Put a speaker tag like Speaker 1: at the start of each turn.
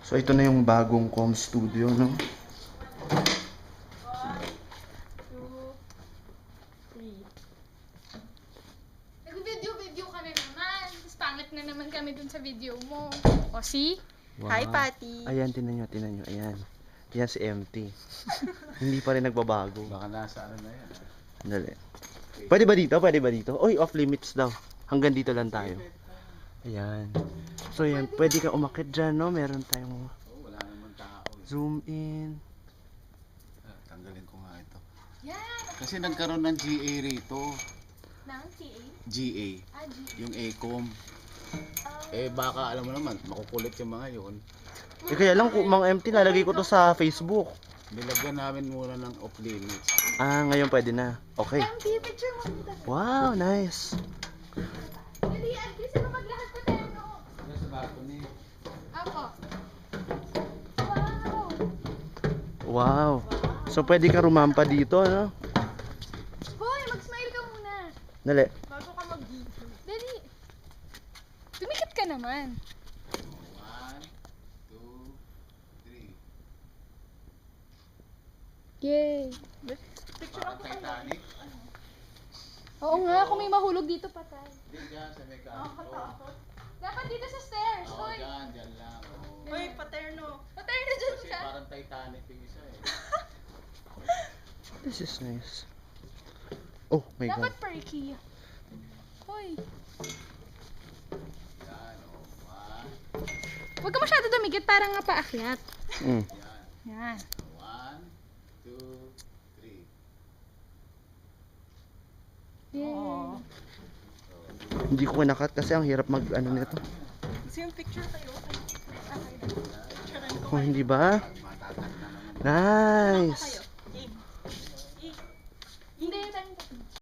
Speaker 1: So ito na yung bagong com studio, no?
Speaker 2: 1, 2, 3. Nag-video ka na naman. Tapos pangit na naman kami dun sa video mo. O, see?
Speaker 1: Wow.
Speaker 2: Hi, Patty.
Speaker 1: Ayan, tinan nyo, ayan. Yan si MT. Hindi pa rin nagbabago.
Speaker 3: Baka nasa ano na yan.
Speaker 1: Dali. Pwede ba dito? Pwede ba dito? Oy, off limits daw. Hanggang dito lang tayo. Ayan. So yan, pwede ka umakit dyan, no? Meron tayong
Speaker 3: Oh, wala naman tao.
Speaker 1: zoom in.
Speaker 3: Tanggalin ko nga ito.
Speaker 2: Yan.
Speaker 3: Kasi nagkaroon ng GA rito.
Speaker 2: Nang TA?
Speaker 3: GA.
Speaker 2: Ah, G.
Speaker 3: Yung ACOM. Eh baka alam mo naman, makukulit yung mga yun.
Speaker 1: Eh kaya lang, Mang MT, lalagay ko to sa Facebook.
Speaker 3: Nilagyan namin muna ng off limits.
Speaker 1: Ah, ngayon pwede na. Okay.
Speaker 2: MT, picture mo dito.
Speaker 1: Wow, nice.
Speaker 2: Dali, Agnes, ano maglakad pa tayo, no?
Speaker 3: Ano sa balcony?
Speaker 2: Ako. Wow.
Speaker 1: Wow. So pwede ka rumampa dito, no?
Speaker 2: Hoy, mag-smile ka muna.
Speaker 1: Dali.
Speaker 2: Bago ka mag-video. Dali. Tumikit ka naman.
Speaker 3: 1, 2, 3.
Speaker 2: Yay.
Speaker 3: Parang Titanic.
Speaker 2: Oo nga, kung may mahulog dito patay.
Speaker 3: Hindi dyan sa may
Speaker 2: Nakakatakot. Dapat dito sa stairs.
Speaker 3: Oo,
Speaker 2: Hoy.
Speaker 3: dyan lang. Oo.
Speaker 2: Hoy, paterno. Paterno dyan
Speaker 3: Kasi
Speaker 2: ka.
Speaker 3: parang Titanic yung isa eh.
Speaker 1: This is nice. Oh my God.
Speaker 2: Dapat perky. Hoy.
Speaker 3: Yan, oh. 1,
Speaker 2: Huwag ka masyado dumikit, parang nga paakyat.
Speaker 1: Mm.
Speaker 3: yan.
Speaker 2: Yan.
Speaker 3: 1, 2, 3.
Speaker 2: Yay.
Speaker 1: Hindi ko kinakat kasi ang hirap mag ano nito.
Speaker 2: Gusto yung picture tayo?
Speaker 1: Oh, hindi ba?
Speaker 3: Matatag na naman.
Speaker 1: Nice.